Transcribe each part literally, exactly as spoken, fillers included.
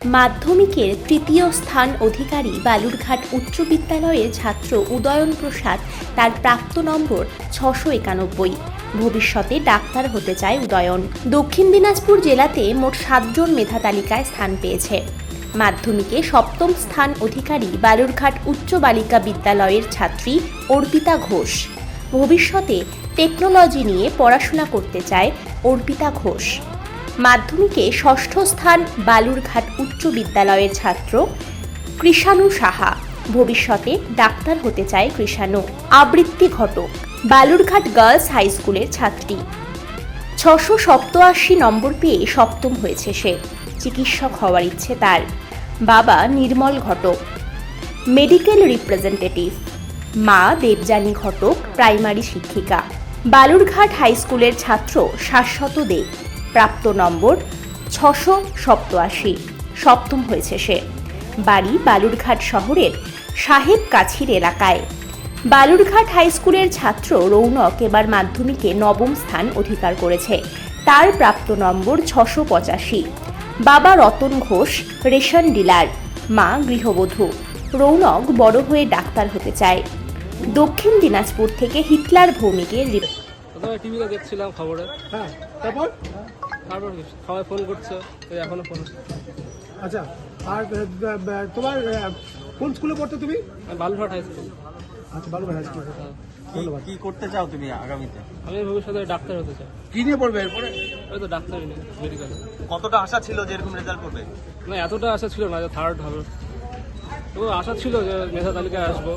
মাধ্যমিকের তৃতীয় স্থান অধিকারী বালুরঘাট উচ্চ বিদ্যালয়ের ছাত্র উদয়ন প্রসাদ তার প্রাপ্ত নম্বর ছশো একানব্বই। ভবিষ্যতে ডাক্তার হতে চায় উদয়ন। দক্ষিণ দিনাজপুর জেলাতে মোট সাতজন মেধা তালিকায় স্থান পেয়েছে। মাধ্যমিকে সপ্তম স্থান অধিকারী বালুরঘাট উচ্চ বালিকা বিদ্যালয়ের ছাত্রী অর্পিতা ঘোষ। ভবিষ্যতে টেকনোলজি নিয়ে পড়াশোনা করতে চায় অর্পিতা ঘোষ। মাধ্যমিকে ষষ্ঠ স্থান বালুরঘাট উচ্চ বিদ্যালয়ের ছাত্র কৃষাণু সাহা। ভবিষ্যতে ডাক্তার হতে চায় কৃষাণু। আবৃত্তি ঘটক বালুরঘাট গার্লস হাই স্কুলের ছাত্রী। ছশো সপ্তআশি নম্বর পেয়ে সপ্তম হয়েছে সে। চিকিৎসক হওয়ার ইচ্ছে তার। বাবা নির্মল ঘটক, মেডিকেল রিপ্রেজেন্টেটিভ। মা দেবযানী ঘটক, প্রাইমারি শিক্ষিকা। বালুরঘাট হাই স্কুলের ছাত্র শাশ্বত দে। প্রাপ্ত নম্বর ছশো সপ্তআশি। সপ্তম হয়েছে সে। বাড়ি বালুরঘাট শহরের সাহেব কাছির এলাকায়। বালুরঘাট হাই স্কুলের ছাত্র রৌনক এবার মাধ্যমিকে নবম স্থান অধিকার করেছে। তার প্রাপ্ত নম্বর ছশো পঁচাশি। বাবা রতন ঘোষ, রেশন ডিলার। মা গৃহবধূ। রৌনক বড় হয়ে ডাক্তার হতে চায়। দক্ষিণ দিনাজপুর থেকে হিটলার ভৌমিকের রিপোর্ট। টিভিতে দেখছিলাম খবরে। হ্যাঁ, তারপর তারপর সবাই ফোন করছে, এখনো ফোন। আচ্ছা, আর তোমার কোন স্কুলে পড়তে তুমি? Balurghat high school. আচ্ছা, বালুরঘাট হাই স্কুল। ধন্যবাদ। কি করতে চাও তুমি আগামীতে? আমি ভবিষ্যতে ডাক্তার হতে চাই। কি নিয়ে পড়বে এরপরে? ওই তো ডাক্তারই নেই, মেডিকেলে। কতটা আশা ছিল যে এরকম রেজাল্ট করবে? না, এতটা আশা ছিল না যে থার্ড হবে। তবু আশা ছিল যে মেধা তালিকায় আসবো।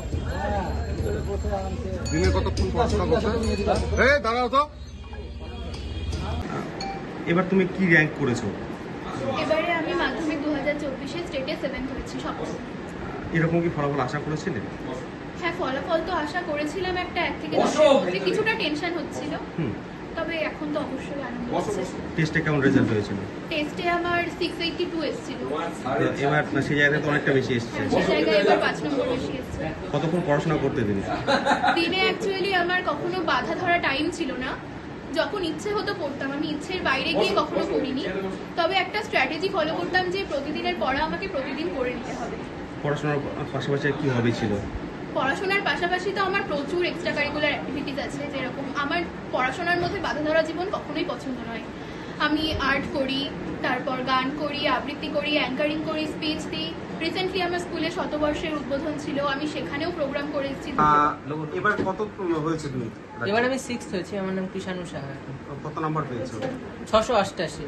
দিনে কতক্ষণ পড়াশোনা করছো? এই দাঁড়াও তো। এবার তুমি কি র্যাঙ্ক করেছো? এবারে আমি মাধ্যমিক দু হাজার চব্বিশে স্টেটে সেভেন্থ হয়েছি সপ্তম। এরকম কি ফলাফল আশা করেছিলে? হ্যাঁ, ফলাফল তো আশা করেছিলাম একটা এক থেকে দশের মধ্যে। কিছুটা টেনশন হচ্ছিল, তবে এখন তো অবশ্যই আনন্দ হচ্ছে। টেস্টে কেমন রেজাল্ট হয়েছিল? টেস্টে আমার সিক্স এইটটি টু এসেছিল। এবার সেই জায়গায় তো অনেকটা বেশি এসেছে। সেই জায়গায় এবার পাঁচ নম্বর বেশি এসেছে। কতক্ষণ পড়াশোনা করতে দিন? দিনে অ্যাকচুয়ালি আমার কখনো বাধা ধরা টাইম ছিল না। যখন ইচ্ছে হতো পড়তাম, আমি ইচ্ছের বাইরে গিয়ে কখনো পড়িনি। তবে একটা স্ট্র্যাটেজি ফলো করতাম যে প্রতিদিনের পড়া আমাকে প্রতিদিন করে নিতে হবে। পড়াশোনার পাশাপাশি কি হবি ছিল? পড়াশোনার পাশাপাশি তো আমার প্রচুর এক্সট্রা কারিকুলার অ্যাক্টিভিটিস আছে। যেরকম আমার পড়াশোনার মধ্যে বাধা ধরা জীবন কখনোই পছন্দ নয়। আমি আর্ট করি, তারপর গান করি, আবৃত্তি করি, অ্যাঙ্কারিং করি, স্পিচ দিই। রিসেন্টলি আমার স্কুলে শতবর্ষের উদ্বোধন ছিল, আমি সেখানেও প্রোগ্রাম করেছি। এবার কত হয়েছে তুমি? এবার আমি সিক্সথ হয়েছি। আমার নাম কৃষাণু সাহা। কত নাম্বার পেয়েছো? ছশো অষ্টাশি।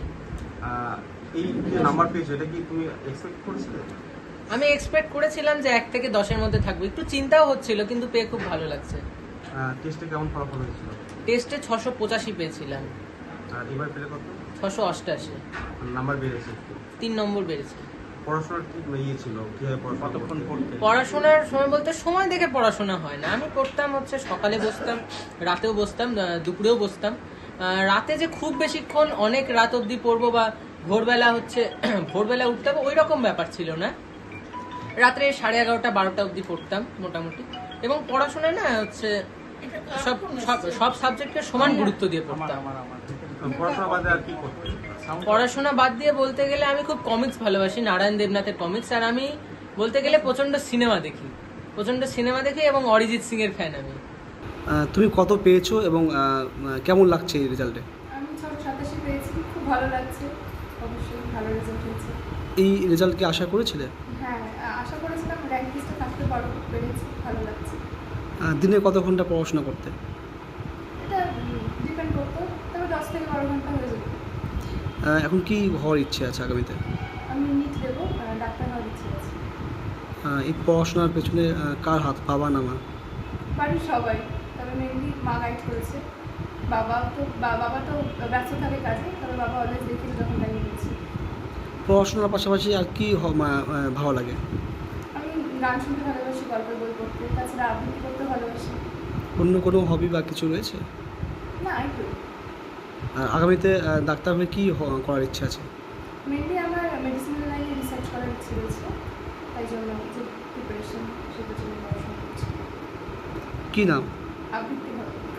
এই যে নাম্বার পেয়েছো এটা কি তুমি এক্সপেক্ট করেছিলে? আমি এক্সপেক্ট করেছিলাম যে এক থেকে দশের মধ্যে থাকবো। একটু চিন্তাও হচ্ছিল, কিন্তু পেয়ে খুব ভালো লাগছে। টেস্টে কেমন ফলাফল হয়েছিল? টেস্টে ছশো পঁচাশি পেয়েছিলাম। আর এবার পেলে কত? ছশো অষ্টাশি। নাম্বার বেড়েছে? তিন নম্বর বেড়েছে। পড়াশোনার কি ইয়ে ছিল? কিভাবে কতক্ষণ পড়তে? পড়াশোনার সময় বলতে সময় দেখে পড়াশোনা হয় না। আমি পড়তাম হচ্ছে সকালে বসতাম, রাতেও বসতাম, দুপুরেও বসতাম। রাতে যে খুব বেশিক্ষণ অনেক রাত অবধি পড়বো বা ভোরবেলা হচ্ছে ভোরবেলা উঠতে হবে ওই রকম ব্যাপার ছিল না। রাত্রে সাড়ে এগারোটা বারোটা অবধি পড়তাম মোটামুটি। এবং পড়াশোনায় না হচ্ছে সব সব সাবজেক্টকে সমান গুরুত্ব দিয়ে পড়তাম। পড়াশোনা বাদে আর কি করতে? পড়াশোনা বাদ দিয়ে বলতে গেলে আমি খুব কমিক্স ভালোবাসি, নারায়ণ দেবনাথের কমিক্স। আর আমি বলতে গেলে প্রচন্ড সিনেমা দেখি, প্রচন্ড সিনেমা দেখি এবং অরিজিৎ সিং এর ফ্যান আমি। তুমি কত পেয়েছো এবং কেমন লাগছে এই রেজাল্টে? আমি ছশো সাতাশি পেয়েছি, খুব ভালো লাগছে। অবশ্যই ভালো রেজাল্ট হয়েছে। এই রেজাল্ট কি আশা করেছিলে? হ্যাঁ, আশা করেছিলাম র্যাঙ্ক লিস্টে থাকতে পারো, পেরেছি, ভালো লাগছে। দিনে কত ঘন্টা পড়াশোনা করতে? এটা ডিপেন্ড করতো, তবে দশ থেকে বারো ঘন্টা হয়ে যেত। এখন কি হওয়ার ইচ্ছে আছে আগামীতে? আমি নিট দেবো, ডাক্তার হওয়ার ইচ্ছে আছে। এই পড়াশোনার পেছনে কার হাত, বাবা না মা? বাড়ির সবাই, তবে মেনলি মা গাইড করেছে। বাবা তো বাবা তো ব্যস্ত থাকে কাজে, তবে বাবা অলওয়েজ দেখে যখন দাঁড়িয়ে গেছি। পড়াশোনার পাশাপাশি আর কি ভালো লাগে? আমি গান শুনতে ভালোবাসি, গল্পের বই পড়তে, তাছাড়া আবৃত্তি করতে ভালোবাসি। অন্য কোনো হবি বা কিছু রয়েছে? না, একটু। আর আগামীতে ডাক্তার হয়ে কী করার ইচ্ছে আছে? মেনলি আমার মেডিসিনাল লাইনে রিসার্চ করার ইচ্ছে রয়েছে, তাই জন্য যে প্রিপারেশন সেটার জন্য পড়াশোনা করছি। কী নাম? আবৃত্তি হবে।